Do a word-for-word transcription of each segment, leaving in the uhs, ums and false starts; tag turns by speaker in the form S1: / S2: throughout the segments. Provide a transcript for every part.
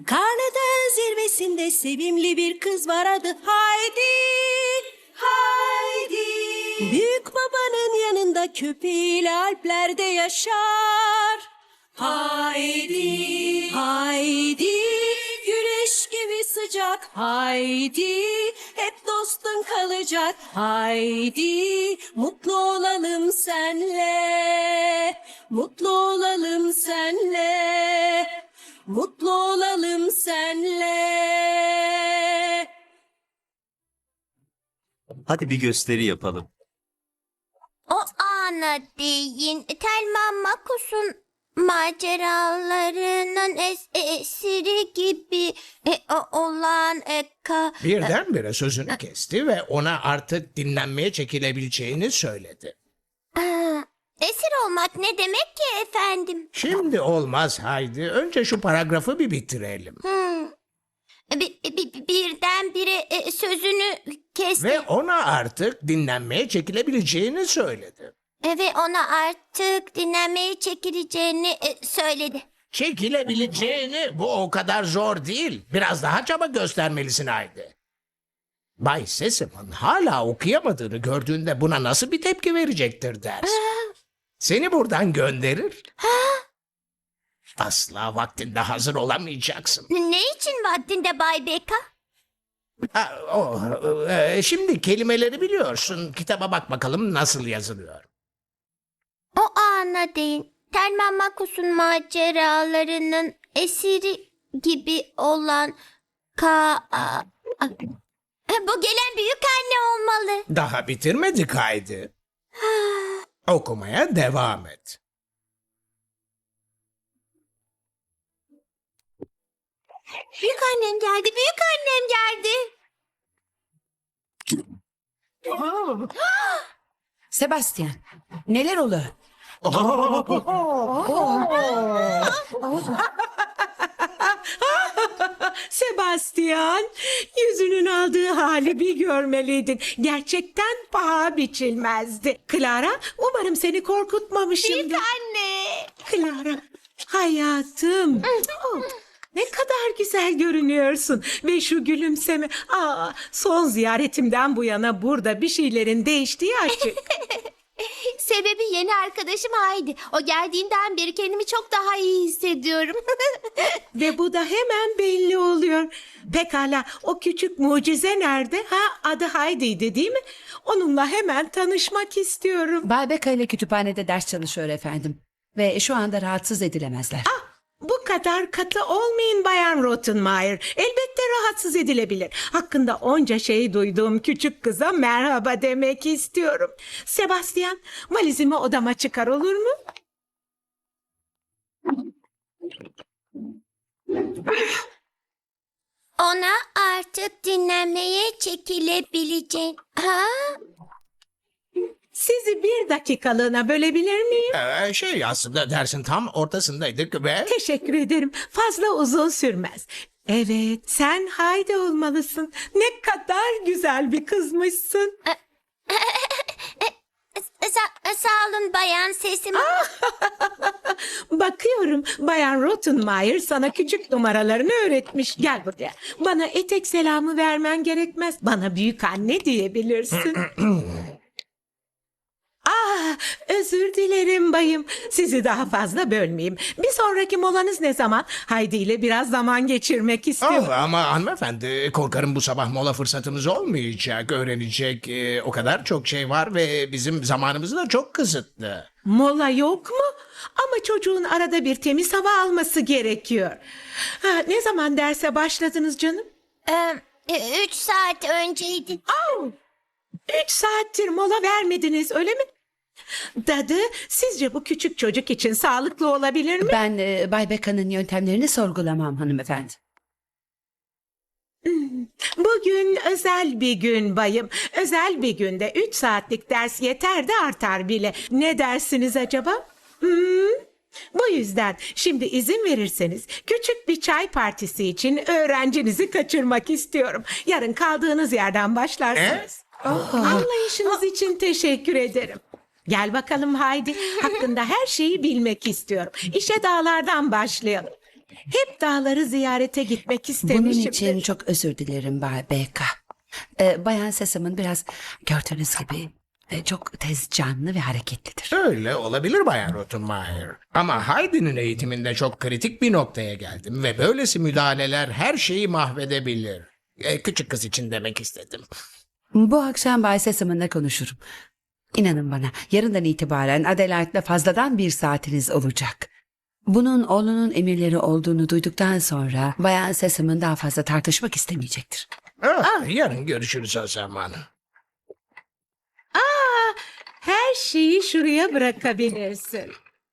S1: Karlı Dağ zirvesinde sevimli bir kız var, adı Haydi. Haydi. Büyük babanın yanında köpeğiyle Alplerde yaşar. Haydi. Haydi. Güneş gibi sıcak. Haydi. Hep dostun kalacak. Haydi. Mutlu olalım senle. Mutlu olalım senle. Mutlu olalım senle.
S2: Hadi bir gösteri yapalım.
S3: O ana değin Telma Makus'un maceralarının es- esiri gibi e, o- olan e, ka...
S4: Birdenbire sözünü kesti ve ona artık dinlenmeye çekilebileceğini söyledi.
S3: Aa, esir olmak ne demek ki efendim?
S4: Şimdi olmaz Haydi. Önce şu paragrafı bir bitirelim.
S3: Hmm. Bir, bir, birdenbire e, sözünü kesti
S4: Ve ona artık dinlenmeye çekilebileceğini söyledi.
S3: e, ve ona artık dinlenmeye çekileceğini e, söyledi.
S4: Çekilebileceğini, bu o kadar zor değil. Biraz daha çaba göstermelisin Haydi. Bay Sesam'ın hala okuyamadığını gördüğünde buna nasıl bir tepki verecektir dersin. Seni buradan gönderir. Asla vaktinde hazır olamayacaksın.
S3: Ne için vaktinde Bay Beka?
S4: Ha, o, e, şimdi kelimeleri biliyorsun. Kitaba bak bakalım nasıl yazılıyor.
S3: O ana değin Telma Makus'un maceralarının esiri gibi olan ka... a- a- Bu gelen büyük anne olmalı.
S4: Daha bitirmedik Haydi. Okumaya devam et.
S3: Büyük annem geldi, büyük annem geldi.
S1: Sebastian, neler oluyor?
S5: Sebastian, yüzünün aldığı hali bir görmeliydin. Gerçekten paha biçilmezdi. Clara, umarım seni korkutmamışımdır.
S3: Büyük anne.
S5: Clara, hayatım. Oh, ne kadar güzel görünüyorsun. Ve şu gülümseme. Aa, son ziyaretimden bu yana burada bir şeylerin değiştiği açık.
S3: Sebebi yeni arkadaşım Haydi. O geldiğinden beri kendimi çok daha iyi hissediyorum.
S5: Ve bu da hemen belli oluyor. Pekala, o küçük mucize nerede? Ha, adı Heidi'ydi değil mi? Onunla hemen tanışmak istiyorum.
S1: Bay Beka ile kütüphanede ders çalışıyor efendim. Ve şu anda rahatsız edilemezler.
S5: Bu kadar katı olmayın Bayan Rottenmeier. Elbette rahatsız edilebilir. Hakkında onca şey duyduğum küçük kıza merhaba demek istiyorum. Sebastian, valizimi odama çıkar, olur mu?
S3: Ona artık dinlenmeye çekilebileceğin... Ha?
S5: Sizi bir dakikalığına bölebilir miyim?
S4: Ee, şey aslında dersin tam ortasındaydık ve...
S5: Teşekkür ederim. Fazla uzun sürmez. Evet, sen Haydi olmalısın. Ne kadar güzel bir kızmışsın.
S3: Sa- sağ olun bayan sesim.
S5: Bakıyorum Bayan Rottenmeier sana küçük numaralarını öğretmiş. Gel buraya. Bana etek selamı vermen gerekmez. Bana büyük anne diyebilirsin. Ah, özür dilerim bayım. Sizi daha fazla bölmeyeyim. Bir sonraki molanız ne zaman? Haydi ile biraz zaman geçirmek istiyorum.
S4: Oh, ama hanımefendi korkarım bu sabah mola fırsatımız olmayacak. Öğrenecek e, o kadar çok şey var ve bizim zamanımız da çok kısıtlı.
S5: Mola yok mu? Ama çocuğun arada bir temiz hava alması gerekiyor. Ha, ne zaman derse başladınız canım?
S3: Ee, üç saat önceydi.
S5: Au! Üç saattir mola vermediniz, öyle mi? Dadı, sizce bu küçük çocuk için sağlıklı olabilir mi?
S1: Ben e, Bay Beka'nın yöntemlerini sorgulamam hanımefendi.
S5: Bugün özel bir gün bayım. Özel bir günde üç saatlik ders yeter de artar bile. Ne dersiniz acaba? Hmm? Bu yüzden şimdi izin verirseniz küçük bir çay partisi için öğrencinizi kaçırmak istiyorum. Yarın kaldığınız yerden başlarsınız. Anlayışınız için teşekkür ederim. Gel bakalım Haydi. Hakkında her şeyi bilmek istiyorum. İşe dağlardan başlayalım. Hep dağları ziyarete gitmek
S1: Bunun
S5: istemişimdir.
S1: için çok özür dilerim Bay Beka. Ee, Bayan Sesam'ın biraz gördüğünüz gibi e, çok tez canlı ve hareketlidir.
S4: Öyle olabilir Bayan Rottenmeier. Ama Heidi'nin eğitiminde çok kritik bir noktaya geldim ve böylesi müdahaleler her şeyi mahvedebilir. E, küçük kız için demek istedim.
S1: Bu akşam Bay Sesam'ınla konuşurum. İnanın bana yarından itibaren Adelaide'le fazladan bir saatiniz olacak. Bunun oğlunun emirleri olduğunu duyduktan sonra Bayan Sesam'ın daha fazla tartışmak istemeyecektir.
S4: Ah, yarın görüşürüz o zaman.
S5: Her şeyi şuraya bırakabilirsin.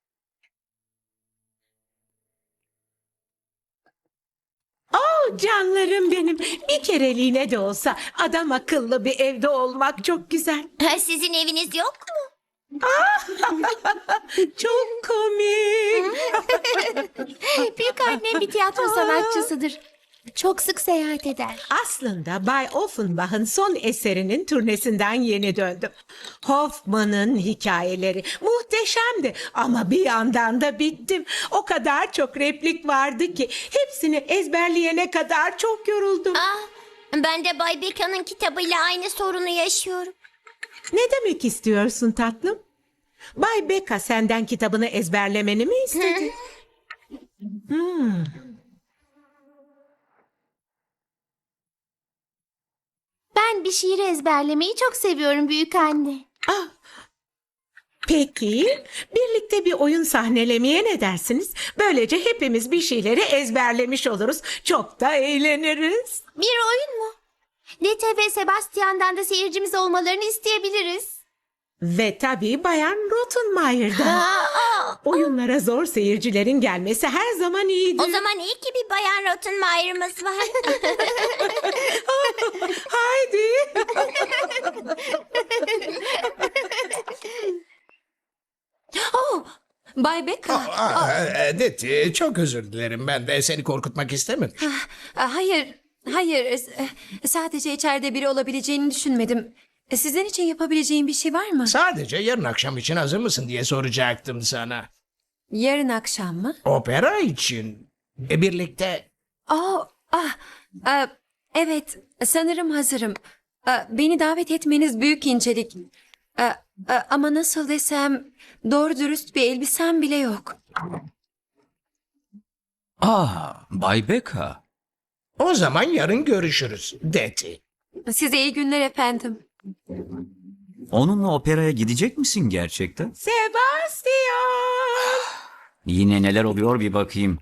S5: Oh canlarım benim. Bir kereliğine de olsa adam akıllı bir evde olmak çok güzel.
S3: Sizin eviniz yok mu?
S5: Çok komik.
S3: Büyük annem bir tiyatro sanatçısıdır. Çok sık seyahat eder.
S5: Aslında Bay Offenbach'ın son eserinin turnesinden yeni döndüm. Hoffman'ın hikayeleri muhteşemdi ama bir yandan da bittim. O kadar çok replik vardı ki hepsini ezberleyene kadar çok yoruldum.
S3: Ah, ben de Bay Beka'nın kitabıyla aynı sorunu yaşıyorum.
S5: Ne demek istiyorsun tatlım? Bay Beka senden kitabını ezberlemeni mi istedi? Hmm.
S3: Ben bir şiir ezberlemeyi çok seviyorum büyük anne.
S5: Ah. Peki, birlikte bir oyun sahnelemeye ne dersiniz? Böylece hepimiz bir şeyleri ezberlemiş oluruz. Çok da eğleniriz.
S3: Bir oyun mu? Dete ve Sebastian'dan da seyircimiz olmalarını isteyebiliriz.
S5: Ve tabii Bayan Rottenmeier'dan.
S3: Aa,
S5: Oyunlara zor seyircilerin gelmesi her zaman iyidir.
S3: o zaman iyi ki bir Bayan Rottenmeier'ımız var.
S5: Haydi.
S6: Oh, Bay Beka.
S4: Aa, Edith, çok özür dilerim. Ben de seni korkutmak istemedim.
S6: Aa, Hayır, hayır. e, Sadece içeride biri olabileceğini düşünmedim. E, Sizin için yapabileceğim bir şey var mı?
S4: Sadece yarın akşam için hazır mısın diye soracaktım sana.
S6: Yarın akşam mı?
S4: Opera için. E, birlikte...
S6: Aa, ah, ah, evet, sanırım hazırım. Ah, Beni davet etmeniz büyük incelik. Ah, ah, Ama nasıl desem, doğru dürüst bir elbisem bile yok.
S2: Aa, Bay Beka.
S4: O zaman yarın görüşürüz, Deti.
S6: Size iyi günler efendim.
S2: Onunla operaya gidecek misin gerçekten?
S5: Sebastian.
S2: Yine neler oluyor bir bakayım.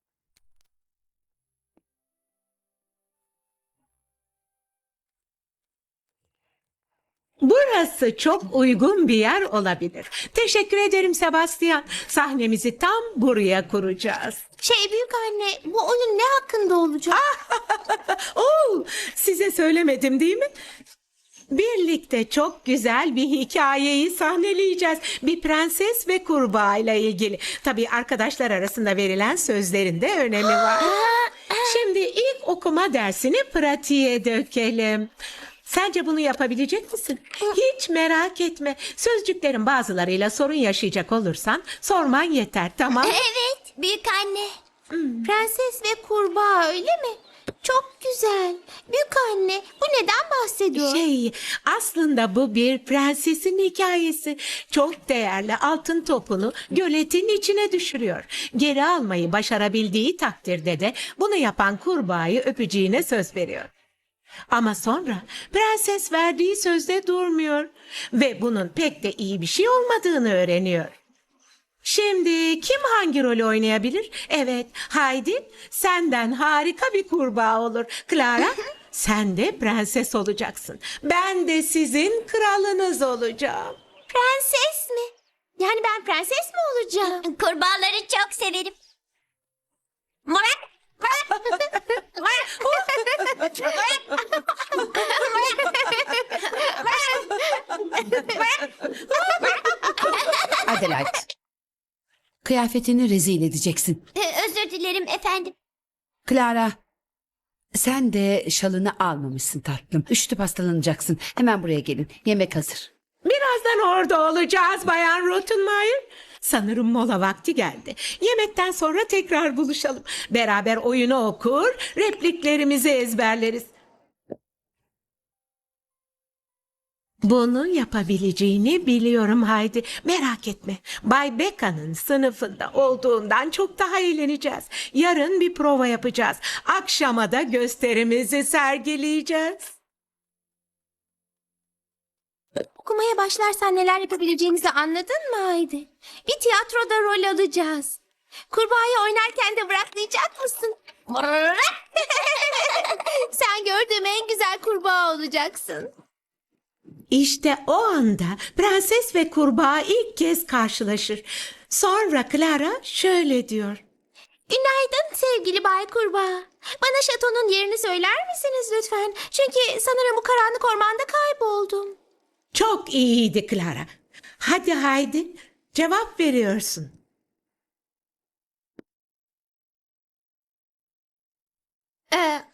S5: Burası çok uygun bir yer olabilir. Teşekkür ederim Sebastian. Sahnemizi tam buraya kuracağız.
S3: Şey büyük anne, bu oyun ne hakkında olacak?
S5: Oo, size söylemedim değil mi? Birlikte çok güzel bir hikayeyi sahneleyeceğiz. Bir prenses ve kurbağa ile ilgili. Tabii arkadaşlar arasında verilen sözlerin de önemi var. Şimdi ilk okuma dersini pratiğe dökelim. Sence bunu yapabilecek misin? Hiç merak etme. Sözcüklerin bazılarıyla sorun yaşayacak olursan sorman yeter, tamam?
S3: Evet, büyük anne. Prenses ve kurbağa öyle mi? Çok güzel. Büyük anne, bu neden bahsediyor?
S5: Şey, aslında bu bir prensesin hikayesi. Çok değerli altın topunu göletin içine düşürüyor. Geri almayı başarabildiği takdirde de bunu yapan kurbağayı öpeceğine söz veriyor. Ama sonra prenses verdiği sözde durmuyor ve bunun pek de iyi bir şey olmadığını öğreniyor. Şimdi kim hangi rolü oynayabilir? Evet, Heidi senden harika bir kurbağa olur. Clara, sen de prenses olacaksın. Ben de sizin kralınız olacağım.
S3: Prenses mi? Yani ben prenses mi olacağım? Kurbağaları çok severim.
S1: Adelaide. Kıyafetini rezil edeceksin.
S3: Ee, Özür dilerim efendim.
S1: Clara, sen de şalını almamışsın tatlım. Üşütüp hastalanacaksın. Hemen buraya gelin. Yemek hazır.
S5: Birazdan orada olacağız Bayan Rottenmeier. Sanırım mola vakti geldi. Yemekten sonra tekrar buluşalım. Beraber oyunu okur, repliklerimizi ezberleriz. Bunu yapabileceğini biliyorum Haydi. Merak etme. Bay Becca'nın sınıfında olduğundan çok daha eğleneceğiz. Yarın bir prova yapacağız. Akşama da gösterimizi sergileyeceğiz.
S3: Okumaya başlarsan neler yapabileceğimizi anladın mı Haydi? Bir tiyatroda rol alacağız. Kurbağayı oynarken de bıraklayacak mısın? Sen gördüğüm en güzel kurbağa olacaksın.
S5: İşte o anda prenses ve kurbağa ilk kez karşılaşır. Sonra Clara şöyle diyor.
S3: Günaydın sevgili Bay Kurbağa. Bana şatonun yerini söyler misiniz lütfen? Çünkü sanırım bu karanlık ormanda kayboldum.
S5: Çok iyiydi Clara. Hadi Haydi, cevap veriyorsun.
S3: Ee,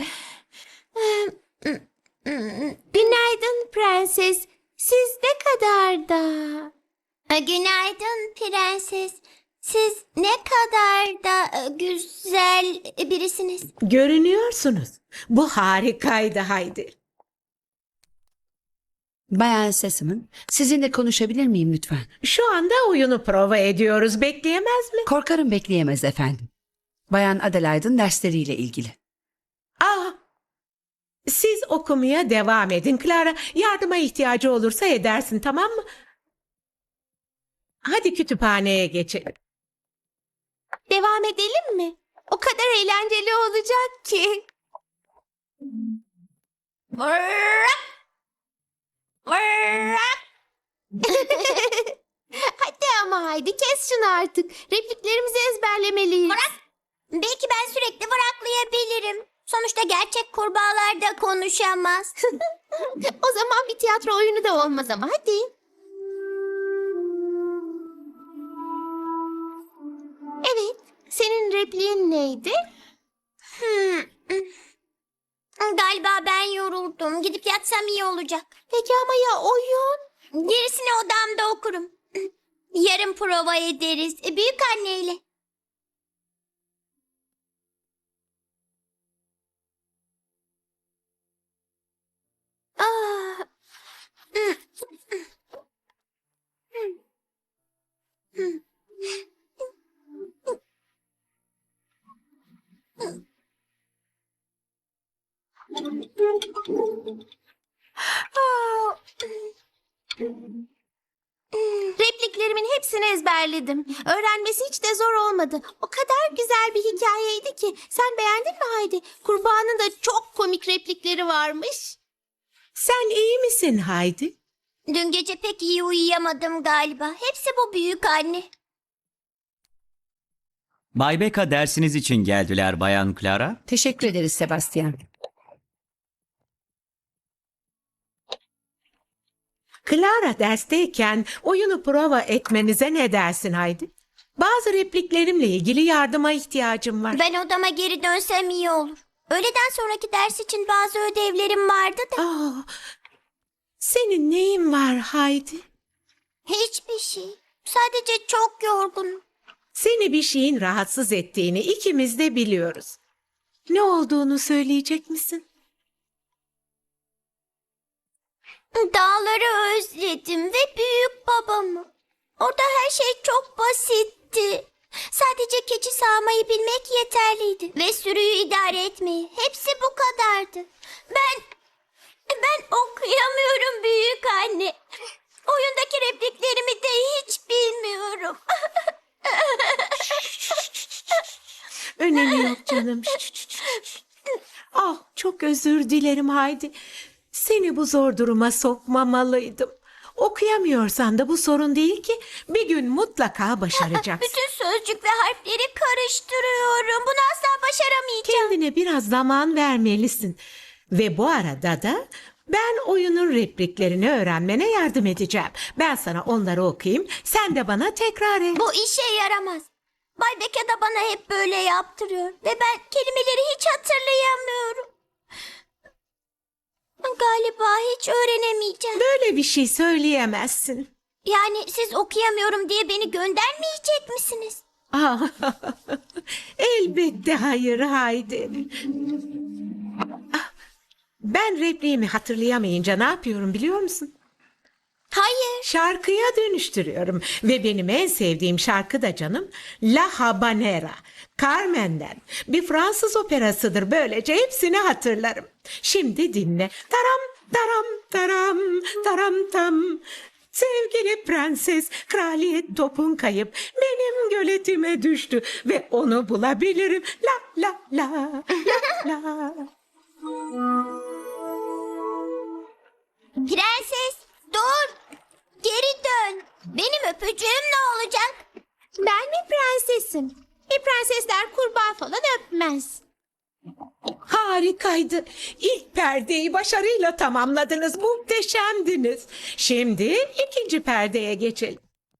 S3: Günaydın prenses. Siz ne kadar da... Ee, Günaydın prenses. Siz ne kadar da e, güzel birisiniz.
S5: Görünüyorsunuz. Bu harikaydı Haydi.
S1: Bayan Sesam'ın sizinle konuşabilir miyim lütfen?
S5: Şu anda oyunu prova ediyoruz. Bekleyemez mi?
S1: Korkarım bekleyemez efendim. Bayan Adelaide'ın dersleriyle ilgili.
S5: Aa, siz okumaya devam edin. Clara, yardıma ihtiyacı olursa edersin, tamam mı? Hadi kütüphaneye geçelim.
S3: Devam edelim mi? O kadar eğlenceli olacak ki. Hadi ama haydi kes şunu artık. Repliklerimizi ezberlemeliyiz.
S7: Belki ben sürekli bıraklayabilirim. Sonuçta gerçek kurbağalar da konuşamaz.
S3: O zaman bir tiyatro oyunu da olmaz ama hadi. Evet, senin repliğin neydi?
S7: Hmm. Galiba ben yoruldum. Gidip yatsam iyi olacak.
S3: Peki ama ya oyun?
S7: Gerisini odamda okurum. Yarın prova ederiz. Büyük anneyle.
S3: Aa, repliklerimin hepsini ezberledim. Öğrenmesi hiç de zor olmadı. O kadar güzel bir hikayeydi ki. Sen beğendin mi Haydi? Kurbağanın da çok komik replikleri varmış.
S5: Sen iyi misin Haydi?
S7: Dün gece pek iyi uyuyamadım galiba. Hepsi bu büyük anne.
S2: Bay Becca dersiniz için geldiler Bayan Clara.
S1: Teşekkür ederiz Sebastian.
S5: Clara dersteyken oyunu prova etmenize ne dersin Haydi? Bazı repliklerimle ilgili yardıma ihtiyacım var.
S7: Ben odama geri dönsem iyi olur. Öğleden sonraki ders için bazı ödevlerim vardı da.
S5: Aa, senin neyin var Haydi?
S7: Hiçbir şey. Sadece çok yorgunum.
S5: Seni bir şeyin rahatsız ettiğini ikimiz de biliyoruz. Ne olduğunu söyleyecek misin?
S7: Dağları özledim ve büyük babamı. Orada her şey çok basitti. Sadece keçi sağmayı bilmek yeterliydi. Ve sürüyü idare etmeyi. Hepsi bu kadardı. Ben... Ben okuyamıyorum büyük anne. Oyundaki repliklerimi de hiç bilmiyorum.
S5: Önemi yok canım. Ah, çok özür dilerim Haydi. Seni bu zor duruma sokmamalıydım. Okuyamıyorsan da bu sorun değil ki. Bir gün mutlaka başaracaksın.
S7: Bütün sözcük ve harfleri karıştırıyorum. Bunu asla başaramayacağım.
S5: Kendine biraz zaman vermelisin. Ve bu arada da ben oyunun repliklerini öğrenmene yardım edeceğim. Ben sana onları okuyayım, sen de bana tekrar et.
S7: Bu işe yaramaz. Bay Becca da bana hep böyle yaptırıyor. Ve ben kelimeleri hiç hatırlayamıyorum. Galiba hiç öğrenemeyeceğim.
S5: Böyle bir şey söyleyemezsin.
S7: Yani siz okuyamıyorum diye beni göndermeyecek misiniz?
S5: Ah, elbette hayır Haydi. Ah, ben repliğimi hatırlayamayınca ne yapıyorum biliyor musun?
S7: Hayır.
S5: Şarkıya dönüştürüyorum ve benim en sevdiğim şarkı da canım La Habanera, Carmen'den. Bir Fransız operasıdır, böylece hepsini hatırlarım. Şimdi dinle. Taram taram taram taram tam. Sevgili prenses, kraliyet topun kayıp benim göletime düştü ve onu bulabilirim. La la la la la.
S7: Prenses dur. Geri dön. Benim öpücüğüm ne olacak?
S3: Ben mi prensesim? E prensesler kurbağa falan öpmez.
S5: Harikaydı. İlk perdeyi başarıyla tamamladınız. Muhteşemdiniz. Şimdi ikinci perdeye geçelim.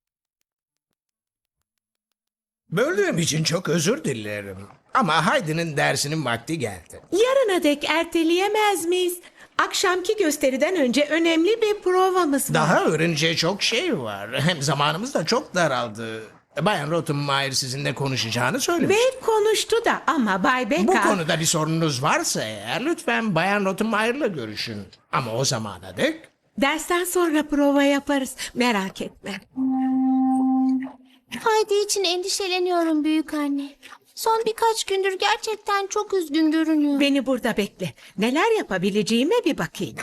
S4: Böldüğüm için çok özür dilerim. Ama Haydi'nin dersinin vakti geldi.
S5: Yarına dek erteleyemez miyiz? Akşamki gösteriden önce önemli bir provamız var.
S4: Daha öğreneceği çok şey var. Hem zamanımız da çok daraldı. Bayan Rottenmeier sizinle konuşacağını söylemiş.
S5: Ve konuştu da ama Bay Becca...
S4: Bu konuda bir sorunuz varsa eğer lütfen Bayan Rottenmeier'la görüşün. Ama o zamana dek
S5: Dersten sonra prova yaparız. Merak etme.
S3: Haydi için endişeleniyorum büyük anne. Son birkaç gündür gerçekten çok üzgün görünüyor.
S5: Beni burada bekle. Neler yapabileceğime bir bakayım.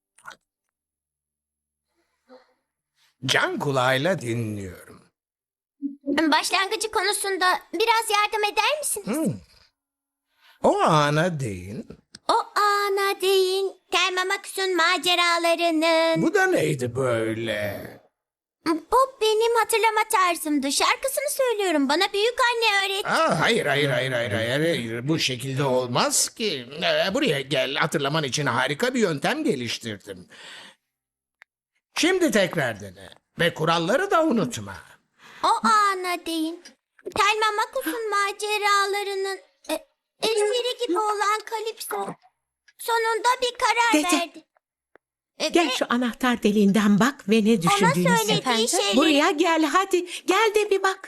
S4: can kulağıyla dinliyorum.
S7: Başlangıcı konusunda biraz yardım eder misiniz?
S4: O ana değin.
S7: O ana değin. Thelma Max'un maceralarının.
S4: Bu da neydi böyle?
S7: Bu benim hatırlama tarzımdı. Şarkısını söylüyorum. Bana büyük anne öğretti.
S4: Aa, hayır, hayır, hayır, hayır, hayır, hayır. Bu şekilde olmaz ki. Ee, buraya gel. Hatırlaman için harika bir yöntem geliştirdim. Şimdi tekrar dene. Ve kuralları da unutma.
S7: O ana değin. Thelma Max'un maceralarının e, esiri gibi olan Kalipso sonunda bir karar
S5: Dede.
S7: verdi. E,
S5: Gel
S7: ve
S5: şu anahtar deliğinden bak ve ne
S7: ona
S5: düşündüğünü
S7: söylediği
S5: sen.
S7: şeyleri...
S5: Buraya gel hadi. Gel de bir bak.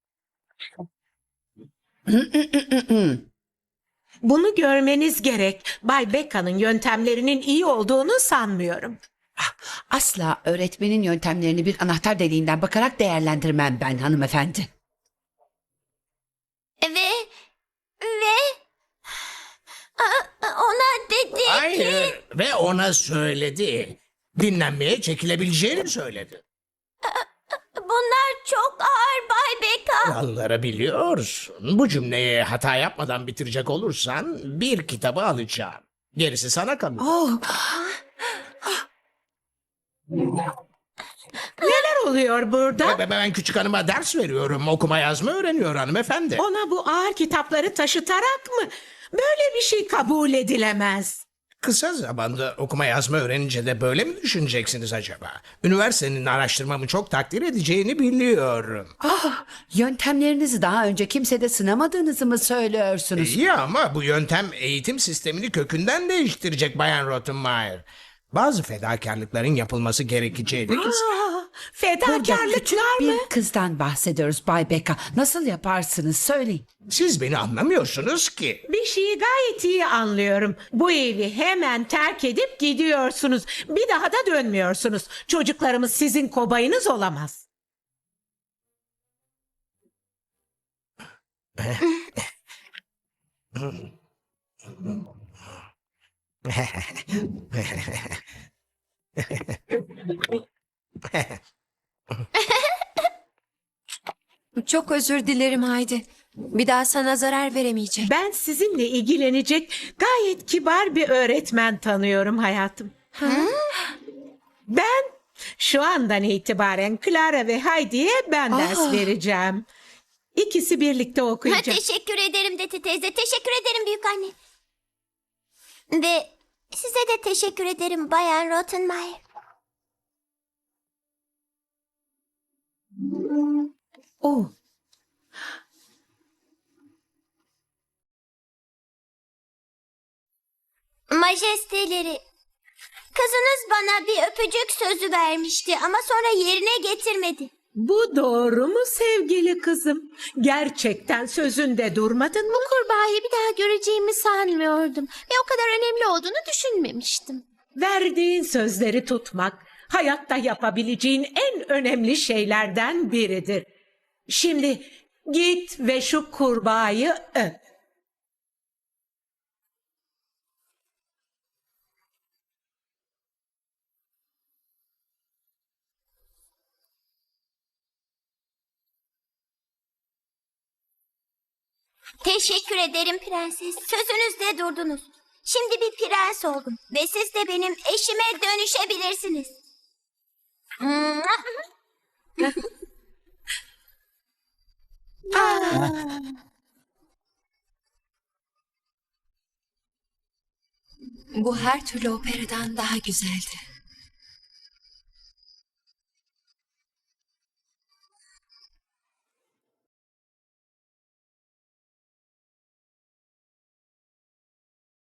S5: Bunu görmeniz gerek. Bay Becca'nın yöntemlerinin iyi olduğunu sanmıyorum.
S1: Asla öğretmenin yöntemlerini bir anahtar deliğinden bakarak değerlendirmem ben hanımefendi.
S7: Ve ve A- ona dedi ki
S4: Hayır. Ve ona söyledi. Dinlenmeye çekilebileceğini söyledi.
S7: bunlar çok ağır Bay Becca.
S4: Kuralları biliyorsun. Bu cümleyi hata yapmadan bitirecek olursan bir kitabı alacağım. Gerisi sana kalır.
S1: Oh,
S5: Neler oluyor burada?
S4: Ben, ben küçük hanıma ders veriyorum. Okuma yazma öğreniyor hanımefendi.
S5: Ona bu ağır kitapları taşıtarak mı? Böyle bir şey kabul edilemez.
S4: Kısa zamanda okuma yazma öğrenince de böyle mi düşüneceksiniz acaba? Üniversitenin araştırmamı çok takdir edeceğini biliyorum.
S1: ah, yöntemlerinizi daha önce kimsede sınamadığınızı mı söylüyorsunuz?
S4: İyi ama bu yöntem eğitim sistemini kökünden değiştirecek Bayan Rottenmeier. Bazı fedakarlıkların yapılması gerekeceği de kesin.
S5: Aa,
S1: Burada
S5: fedakarlıklar
S1: küçük
S5: mı?
S1: bir kızdan bahsediyoruz Bay Becca. Nasıl yaparsınız söyleyin.
S4: Siz beni anlamıyorsunuz ki.
S5: Bir şeyi gayet iyi anlıyorum. Bu evi hemen terk edip gidiyorsunuz. Bir daha da dönmüyorsunuz. Çocuklarımız sizin kobayınız olamaz.
S6: Çok özür dilerim Haydi. Bir daha sana zarar veremeyeceğim.
S5: Ben sizinle ilgilenecek gayet kibar bir öğretmen tanıyorum hayatım. Ben şu andan itibaren Clara ve Heidi'ye ben ders vereceğim. İkisi birlikte
S7: Ha,
S5: okuyacak.
S7: teşekkür ederim Dete teyze. Teşekkür ederim büyük anne. Ve size de teşekkür ederim Bayan Rottenmeier.
S1: Oh,
S7: Majesteleri, Kızınız bana bir öpücük sözü vermişti ama sonra yerine getirmedi.
S5: Bu doğru mu sevgili kızım? Gerçekten sözünde durmadın mı?
S3: Kurbağayı bir daha göreceğimi sanmıyordum ve o kadar önemli olduğunu düşünmemiştim.
S5: Verdiğin sözleri tutmak hayatta yapabileceğin en önemli şeylerden biridir. Şimdi git ve şu kurbağayı öp.
S7: Teşekkür ederim prenses. Sözünüzde durdunuz. Şimdi bir prens oldum ve siz de benim eşime dönüşebilirsiniz.
S6: Bu her türlü operadan daha güzeldi.